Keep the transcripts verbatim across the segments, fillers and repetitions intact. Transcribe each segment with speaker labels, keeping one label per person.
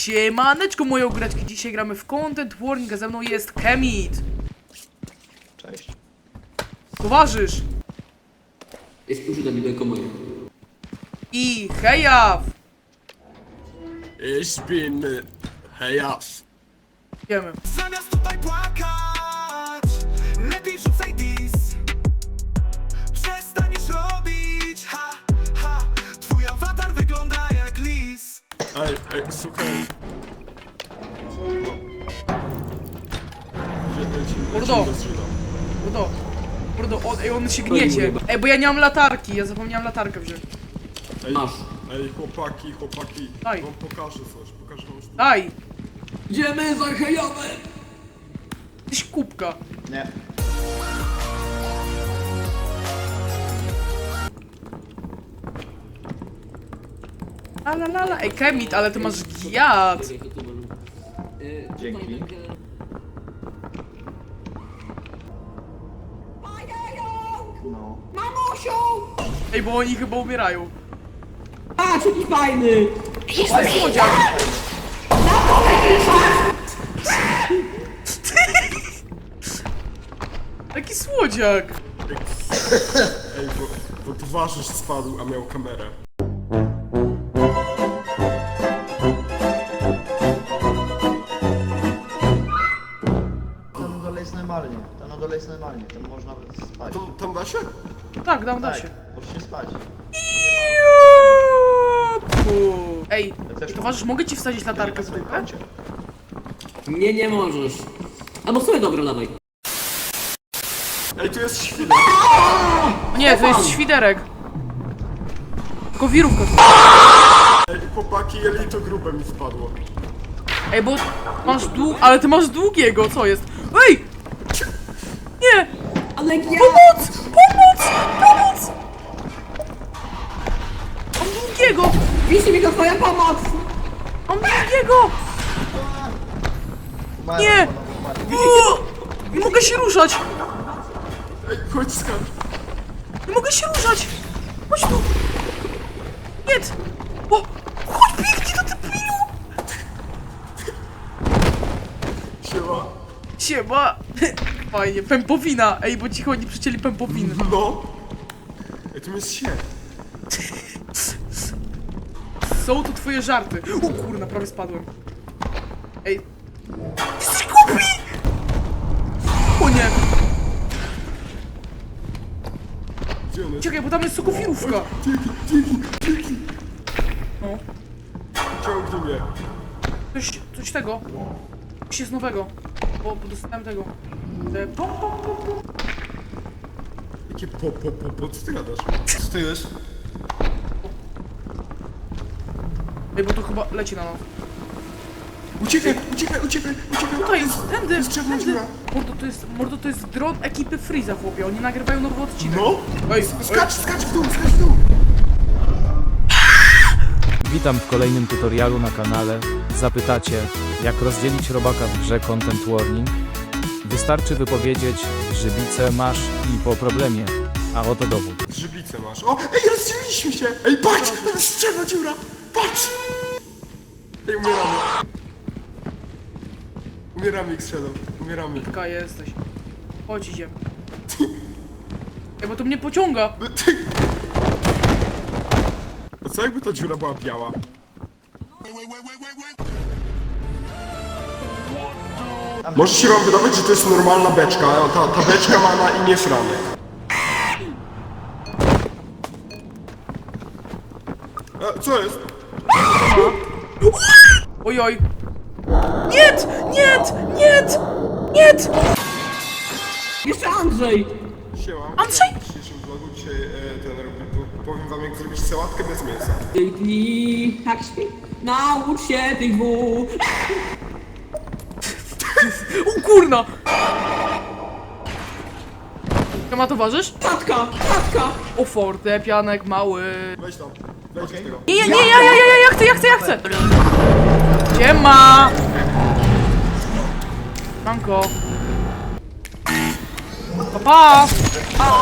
Speaker 1: Siemaneczko moje ogóreczki, dzisiaj gramy w Content Warning, a ze mną jest Kemit.
Speaker 2: Cześć.
Speaker 1: Towarzysz.
Speaker 3: Jest użyta mi do moje.
Speaker 1: I Hejaw.
Speaker 4: Ich bin Hejaw.
Speaker 1: Wiemy.
Speaker 5: Zamiast tutaj płakać, lepiej rzucaj dis. Przestaniesz robić, ha, ha. Twój awatar wygląda jak lis.
Speaker 4: Ej, ej, słuchaj.
Speaker 1: Mordo. Mordo. Mordo, on, ej, on się gniecie. Ej, bo ja nie mam latarki, ja zapomniałem latarkę wziąć.
Speaker 4: Ej,
Speaker 3: Masz.
Speaker 4: ej, chłopaki, chłopaki.
Speaker 1: Daj.
Speaker 4: Wam pokażę coś, pokażę wam sztukę.
Speaker 1: Daj.
Speaker 3: Idziemy za hejowem!
Speaker 1: Tyś kubka.
Speaker 2: Nie.
Speaker 1: La la la la. Ej, Kemit, ale ty masz giat.
Speaker 2: Dzięki. No.
Speaker 1: Ej, bo oni chyba umierają.
Speaker 3: Patrz, jaki fajny!
Speaker 1: Jest słodziak. Taki słodziak.
Speaker 4: Ej, bo, bo towarzysz spadł, a miał kamerę.
Speaker 2: Tam na dole jest normalnie. Tam na dole jest normalnie. Tam można spać.
Speaker 4: Tam, tam da się?
Speaker 1: Tak, dam, da
Speaker 2: Tak,
Speaker 1: się.
Speaker 2: możesz spać.
Speaker 1: Juuu. Ej,
Speaker 2: Ja też
Speaker 1: towarzysz, mogę ci wsadzić latarkę w dupę?
Speaker 3: Nie, nie możesz. Albo sobie dobra, dawaj.
Speaker 4: Ej, tu jest świnia.
Speaker 1: O nie, to jest świderek. Tylko wirówka.
Speaker 4: Ej, chłopaki, jelito grube mi spadło.
Speaker 1: Ej, bo masz dług... Ale ty masz długiego, co jest? Ej! Nie!
Speaker 3: Ale ja...
Speaker 1: Pomoc! Pomoc! Pomoc! Mam długiego!
Speaker 3: Wisi mi to twoja pomoc!
Speaker 1: Mam długiego!
Speaker 2: Umarłem,
Speaker 1: Nie!
Speaker 2: panowie, umarłem.
Speaker 1: Uuu! Nie mogę się ruszać!
Speaker 4: Ej, chodź skacz.
Speaker 1: Nie mogę się ruszać! Chodź tu! Nie! O! Chodź, biegnij do debilu!
Speaker 4: Siema.
Speaker 1: Siema! Fajnie, pępowina! Ej, bo ci chodzi przycięli pępowiny.
Speaker 4: No. Ej, tu jest się.
Speaker 1: Są tu twoje żarty. O kurna, prawie spadłem. Ej. Jesteś głupi! O nie!
Speaker 4: Gdzie on jest?
Speaker 1: Czekaj, bo tam jest sokowirówka. No.
Speaker 4: Ciągnij mnie.
Speaker 1: Coś, coś tego. Coś jest nowego. Bo, bo dostałem tego. E, pom, pom, pom, pom.
Speaker 4: Jakie po, po, po, po, co ty gadasz? Co to jest?
Speaker 1: Ej, bo to chyba leci na nas.
Speaker 4: Uciekaj, uciekaj, uciekaj, uciekaj.
Speaker 1: Tutaj jest, tędy,
Speaker 4: jest czarna
Speaker 1: tędy.
Speaker 4: dziura.
Speaker 1: Mordo, to jest, mordo, to jest dron ekipy Freeza, chłopie. Oni nagrywają nowy odcinek.
Speaker 4: No.
Speaker 1: Ej,
Speaker 4: Skacz, skacz w dół, skacz w dół.
Speaker 6: Witam w kolejnym tutorialu na kanale. Zapytacie, jak rozdzielić robaka w grze Content Warning? Wystarczy wypowiedzieć, żywicę masz i po problemie, a oto dowód.
Speaker 4: Żywicę masz. O, ej, rozdzieliliśmy się. Ej, patrz, tam jest czarna dziura. Patrz. Ej, umieramy. Umieramy, X-Shadow. Umieramy.
Speaker 1: Taka jesteś. Chodź, idziemy. Ej, bo to mnie pociąga.
Speaker 4: No ty- A co jakby ta dziura była biała? Może się wam wydawać, że to jest normalna beczka, a ta, ta beczka ma na imię Franek. A, co jest?
Speaker 1: Ojoj. Nie! Nie! Nie! Nie!
Speaker 3: Jeszcze Andrzej!
Speaker 4: Siema.
Speaker 1: Andrzej!
Speaker 4: W dzisiejszym vlogu dzisiaj e, ten robi, po- powiem wam jak zrobić sałatkę bez mięsa.
Speaker 3: Dzięki, tak śpi. Naucz się tych dwóch!
Speaker 1: O kurna! To ma towarzysz?
Speaker 3: Tatka, tatka!
Speaker 1: O fortepianek mały.
Speaker 4: Weź tam, wejdź z tego.
Speaker 1: Nie, nie, nie, ja, ja, ja, ja, ja chcę, ja chcę, ja chcę! Siema! Manko. Pa, pa!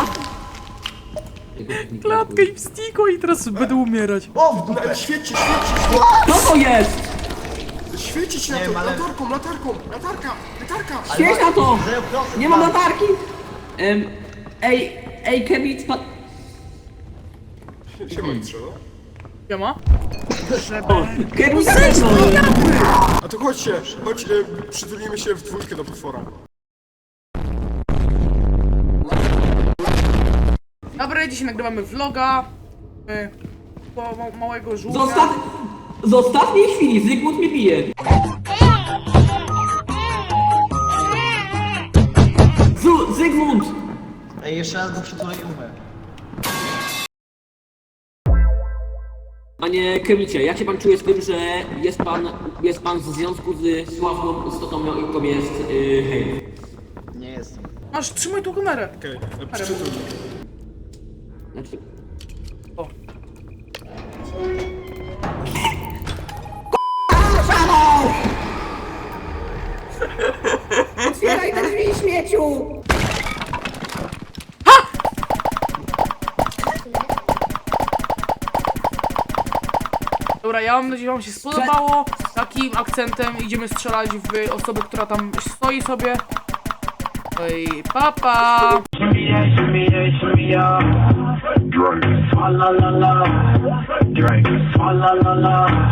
Speaker 1: Klatkę im stikło i teraz będę umierać.
Speaker 2: O, w dupę!
Speaker 4: Ej, świeci, świeci,
Speaker 3: Co to jest?
Speaker 4: świecić na
Speaker 2: Nie
Speaker 4: to,
Speaker 2: wiem, ale-
Speaker 4: latarką, latarką, latarka, latarka.
Speaker 3: Świeć na to!
Speaker 2: Zero procent
Speaker 3: Nie mam
Speaker 2: mam.
Speaker 3: latarki! Em, ej, ej, Kevin, spadł...
Speaker 4: Siema, Jutrze, no.
Speaker 1: Siema.
Speaker 3: Kevin, zaczekaj!
Speaker 4: A to chodźcie, chodź, e, przytulimy się w dwójkę do potwora.
Speaker 1: Dobra, dzisiaj nagrywamy vloga. y, Po ma małego żółwia.
Speaker 3: Zostaw... Z ostatniej chwili Zygmunt mnie bije. Zu, Zygmunt!
Speaker 2: Ej, jeszcze raz go przytulę i umrę.
Speaker 3: Panie Kemicie, jak się pan czuje z tym, że jest pan, jest pan w związku z sławną istotą, jaką jest yy, hej?
Speaker 2: Nie jestem.
Speaker 1: Masz, trzymaj tą kamerę.
Speaker 4: Okej, okay, przytul.
Speaker 3: Znaczy...
Speaker 1: O.
Speaker 3: Otwieraj te drzwi, śmieciu!
Speaker 1: Dobra, ja mam nadzieję, że wam się spodobało. Takim akcentem idziemy strzelać w osobę, która tam stoi sobie. No i papa!
Speaker 7: Drink. Swalla la la. Drink. Swalla la la.